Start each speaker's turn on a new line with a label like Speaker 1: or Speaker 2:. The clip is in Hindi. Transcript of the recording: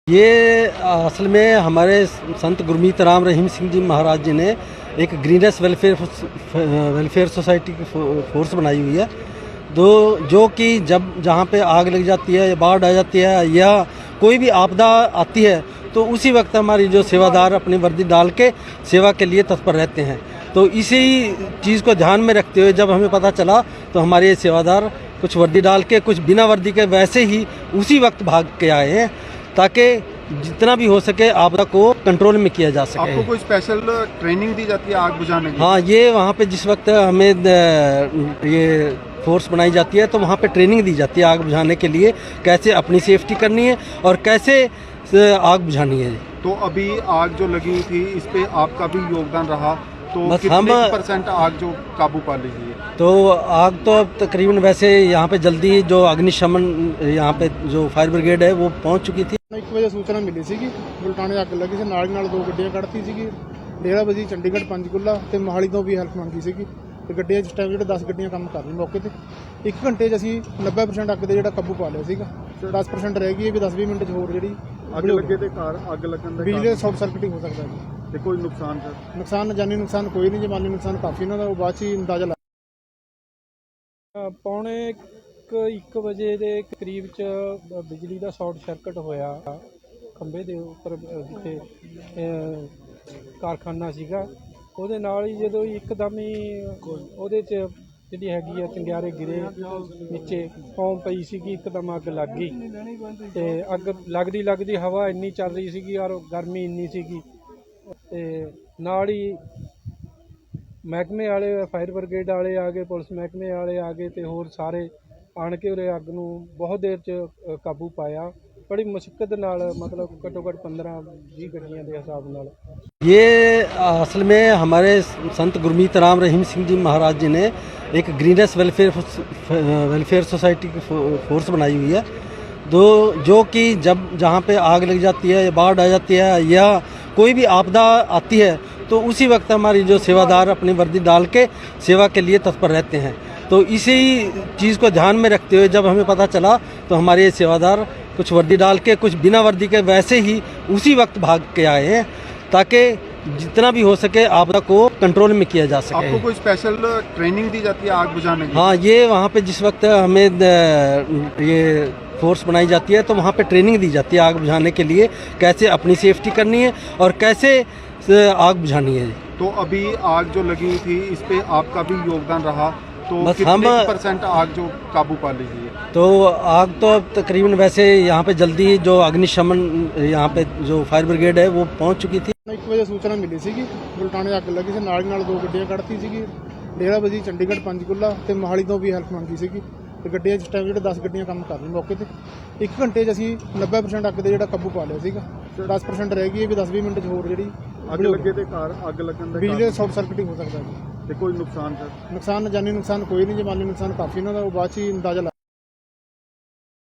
Speaker 1: ये असल में हमारे संत गुरमीत राम रहीम सिंह जी महाराज जी ने एक ग्रीनेस वेलफेयर सोसाइटी की फोर्स बनाई हुई है। जो कि जब जहाँ पे आग लग जाती है या बाढ़ आ जाती है या कोई भी आपदा आती है तो उसी वक्त हमारी जो सेवादार अपनी वर्दी डाल के सेवा के लिए तत्पर रहते हैं। तो इसी चीज़ को ध्यान में रखते हुए जब हमें पता चला तो हमारे सेवादार कुछ वर्दी डाल के कुछ बिना वर्दी के वैसे ही उसी वक्त भाग के आए हैं ताकि जितना भी हो सके आपदा को कंट्रोल में किया जा सके।
Speaker 2: आपको कोई स्पेशल ट्रेनिंग दी जाती है आग बुझाने की?
Speaker 1: हाँ, ये वहाँ पे जिस वक्त हमें ये फोर्स बनाई जाती है तो वहाँ पे ट्रेनिंग दी जाती है आग बुझाने के लिए, कैसे अपनी सेफ्टी करनी है और कैसे आग बुझानी है।
Speaker 2: तो अभी आग जो लगी हुई थी इस पे आपका भी योगदान रहा, तो
Speaker 1: बस
Speaker 2: कितने % आग जो काबू पा ली है?
Speaker 1: तो आग तो अब तकरीबन वैसे यहाँ पे जल्दी जो अग्निशमन यहाँ पे जो फायर ब्रिगेड है वो पहुँच चुकी थी।
Speaker 3: 1 ਵਜੇ ਸੂਚਨਾ ਮਿਲੀ ਸੀਗੀ ਬੁਲਟਾਣੇ ਅੱਗ ਲੱਗੀ ਸੀ, ਨਾਲ ਹੀ ਨਾਲ 2 ਗੱਡੀਆਂ ਕੱਢਤੀ ਸੀਗੀ। ਡੇਰਾ ਬਜੀ ਚੰਡੀਗੜ੍ਹ ਪੰਚਕੂਲਾ ਤੇ ਮੋਹਾਲੀ ਤੋਂ ਵੀ ਹੈਲਪ ਮੰਗੀ ਸੀਗੀ ਤੇ ਗੱਡੀਆਂ ਇਸ ਟਾਈਮ ਜਿਹੜੇ 10 ਗੱਡੀਆਂ ਕੰਮ ਕਰ ਰਹੀਆਂ ਮੌਕੇ ਤੇ। 1 ਘੰਟੇ 'ਚ ਅਸੀਂ 90% ਅੱਗ ਦੇ ਜਿਹੜਾ ਕਾਬੂ ਪਾ ਲਿਆ ਸੀਗਾ। 10% ਰਹਿ ਗਈ ਹੈ ਵੀ 10-20 ਮਿੰਟ 'ਚ ਹੋਰ ਜਿਹੜੀ
Speaker 2: ਅੱਗ ਲੱਗੇ ਤੇ ਘਰ ਅੱਗ ਲੱਗਣ ਦਾ
Speaker 3: ਬਿਜਲੀ ਸ਼ਾਰਟ ਸਰਕਟ ਹੀ ਹੋ ਸਕਦਾ ਜੀ।
Speaker 2: ਤੇ ਕੋਈ ਨੁਕਸਾਨ ਸਰ?
Speaker 3: ਨੁਕਸਾਨ ਜਾਨੀ ਨੁਕਸਾਨ ਕੋਈ ਨਹੀਂ ਜੀ, ਮਾਲੀ ਨੁਕਸਾਨ ਕਾਫੀ ਇਹਨਾਂ ਦਾ ਉਹ ਬਾਅਦ 'ਚ ਹੀ ਅੰਦਾਜ਼ਾ ਲਾ।
Speaker 4: ਪੌਣੇ 1 ਵਜੇ ਦੇ ਕਰੀਬ 'ਚ ਬਿਜਲੀ ਦਾ ਸ਼ਾਰਟ ਸਰਕਟ ਹੋਇਆ ਖੰਭੇ ਦੇ ਉੱਪਰ ਜਿੱਥੇ ਕਾਰਖਾਨਾ ਸੀਗਾ। ਉਹਦੇ ਨਾਲ ਹੀ ਜਦੋਂ ਇੱਕਦਮ ਹੀ ਉਹਦੇ 'ਚ ਜਿਹੜੀ ਹੈਗੀ ਆ ਚੰਗਿਆਰੇ ਗਿਰੇ ਨੀਚੇ ਫੌਮ ਪਈ ਸੀਗੀ, ਇੱਕਦਮ ਅੱਗ ਲੱਗ ਗਈ ਤੇ ਅੱਗ ਲੱਗਦੀ ਹਵਾ ਇੰਨੀ ਚੱਲ ਰਹੀ ਸੀਗੀ ਔਰ ਗਰਮੀ ਇੰਨੀ ਸੀਗੀ ਤੇ ਨਾਲ ਹੀ ਮਹਿਕਮੇ ਵਾਲੇ ਫਾਇਰ ਬ੍ਰਿਗੇਡ ਵਾਲੇ ਆ ਗਏ, ਪੁਲਿਸ ਮਹਿਕਮੇ ਵਾਲੇ ਆ ਗਏ ਤੇ ਹੋਰ ਸਾਰੇ ਆਣ ਕੇ ਉਰੇ ਅੱਗ ਨੂੰ ਬਹੁਤ ਦੇਰ 'ਚ ਕਾਬੂ ਪਾਇਆ। बड़ी मुश्किल नाल, मतलब घट्टो घट्ट 15-20 गड्डियां के हिसाब नाल।
Speaker 1: ये असल में हमारे संत गुरमीत राम रहीम सिंह जी महाराज जी ने एक ग्रीनेस वेलफेयर सोसाइटी की फोर्स बनाई हुई है। जो कि जब जहाँ पे आग लग जाती है या बाढ़ आ जाती है या कोई भी आपदा आती है तो उसी वक्त हमारी जो सेवादार अपनी वर्दी डाल के सेवा के लिए तत्पर रहते हैं। तो इसी चीज़ को ध्यान में रखते हुए जब हमें पता चला तो हमारे सेवादार कुछ वर्दी डाल के कुछ बिना वर्दी के वैसे ही उसी वक्त भाग के आए हैं ताकि जितना भी हो सके आपदा को कंट्रोल में किया जा सके।
Speaker 2: आपको कोई स्पेशल ट्रेनिंग दी जाती है आग बुझाने की?
Speaker 1: हाँ, ये वहाँ पे जिस वक्त हमें ये फोर्स बनाई जाती है तो वहाँ पे ट्रेनिंग दी जाती है आग बुझाने के लिए, कैसे अपनी सेफ्टी करनी है और कैसे आग बुझानी है।
Speaker 2: तो अभी आग जो लगी हुई थी इस पे आपका भी योगदान रहा, तो
Speaker 1: बस
Speaker 2: कितने % आग जो काबू पा ली है?
Speaker 1: तो आग तो अब तकरीबन वैसे यहाँ पे जल्दी जो अग्निशमन यहाँ पे जो फायर ब्रिगेड है वो पहुँच चुकी थी।
Speaker 3: 1 ਵਜੇ ਸੂਚਨਾ ਮਿਲੀ ਸੀਗੀ ਬੁਲਟਾਣੇ ਅੱਗ ਲੱਗੀ ਸੀ, ਨਾਲ ਹੀ ਨਾਲ 2 ਗੱਡੀਆਂ ਕੱਢਤੀ ਸੀਗੀ। ਡੇਰਾ ਬਜੀ ਚੰਡੀਗੜ੍ਹ ਪੰਚਕੂਲਾ ਤੇ ਮੋਹਾਲੀ ਤੋਂ ਵੀ ਹੈਲਪ ਮੰਗੀ ਸੀਗੀ ਤੇ ਗੱਡੀਆਂ ਇਸ ਟਾਈਮ ਜਿਹੜੇ 10 ਗੱਡੀਆਂ ਕੰਮ ਕਰ ਰਹੀਆਂ ਮੌਕੇ ਤੇ। 1 ਘੰਟੇ 'ਚ ਅਸੀਂ 90% ਅੱਗ ਦੇ ਜਿਹੜਾ ਕਾਬੂ ਪਾ ਲਿਆ ਸੀਗਾ। 10% ਰਹਿ ਗਈ ਹੈ ਵੀ 10-20 ਮਿੰਟ 'ਚ ਹੋਰ ਜਿਹੜੀ
Speaker 2: ਅੱਗ ਲੱਗੇ ਤੇ ਘਰ ਅੱਗ ਲੱਗਣ ਦਾ
Speaker 3: ਬਿਜਲੀ ਸ਼ਾਰਟ ਸਰਕਟ ਹੀ ਹੋ ਸਕਦਾ ਜੀ।
Speaker 2: ਤੇ ਕੋਈ ਨੁਕਸਾਨ ਸਰ?
Speaker 3: ਨੁਕਸਾਨ ਜਾਨੀ ਨੁਕਸਾਨ ਕੋਈ ਨਹੀਂ ਜੀ, ਮਾਲੀ ਨੁਕਸਾਨ ਕਾਫੀ ਇਹਨਾਂ ਦਾ ਉਹ ਬਾਅਦ 'ਚ ਹੀ ਅੰਦਾਜ਼ਾ ਲਾ।